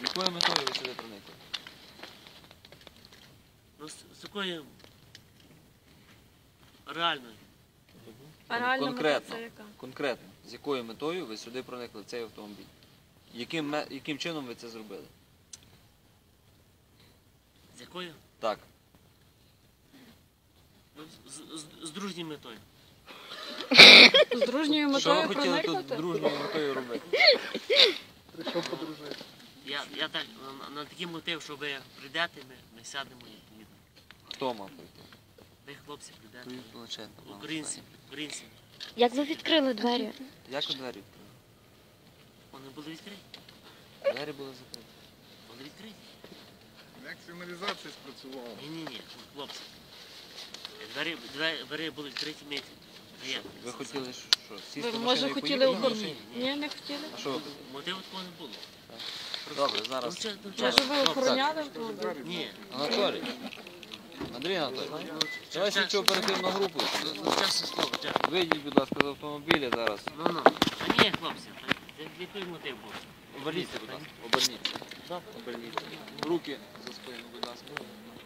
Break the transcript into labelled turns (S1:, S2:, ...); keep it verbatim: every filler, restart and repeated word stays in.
S1: З якою метою ви сюди проникли?
S2: Ну, з, з якою реальною?
S3: А реальна мета
S1: Конкретно,
S3: це яка?
S1: конкретно, з якою метою ви сюди проникли в цей автомобіль? Яким, ме- яким чином ви це зробили?
S2: З якою?
S1: Так.
S2: Ну, з, з, з дружньою метою.
S3: З дружньою
S1: Що ви
S3: метою
S1: хотіли тут
S3: проникнути?
S1: дружньою метою робити?
S4: Прийшов подружити.
S2: Я, я так, на, на такий мотив, що ви прийдете, ми, ми сядемо і поїдемо.
S1: Хто мав прийти?
S2: Ви, хлопці, прийдете.
S1: Планшет, напевно,
S2: Українці,
S1: останній.
S2: українці.
S5: Як ви відкрили двері?
S1: Як ви двері відкрили?
S2: Вони були відкриті.
S1: Двері були закриті.
S2: Вони відкриті.
S4: Як сигналізація спрацювала?
S2: Ні-ні-ні, хлопці. Двері, двері, двері були відкриті, ми їх є.
S1: Ви хотіли що? Сісти
S3: Ви,
S1: в машину
S3: може,
S1: і
S3: хотіли
S1: поїхати?
S3: оформити? Ні, не хотіли.
S1: А що ви хотіли?
S2: Мотиву такого не було.
S1: Добре, зараз.
S2: Ну, чи- ну, чи-
S3: Може, ви
S2: ну,
S3: охороняли автомобіль?
S2: Ні.
S1: Анатолій. Андрій Анатолійович. Давай слідчу оперативну групу.
S2: Ну, ну, чесне слово, чесно.
S1: Вийдіть, будь ласка, з автомобіля зараз.
S2: Ну, ну. Та ні, хлопці, та який мотив був?
S1: Оберніться, будь ласка. Оберніться.
S2: Добре.
S1: Оберніться. Руки за спину, будь ласка.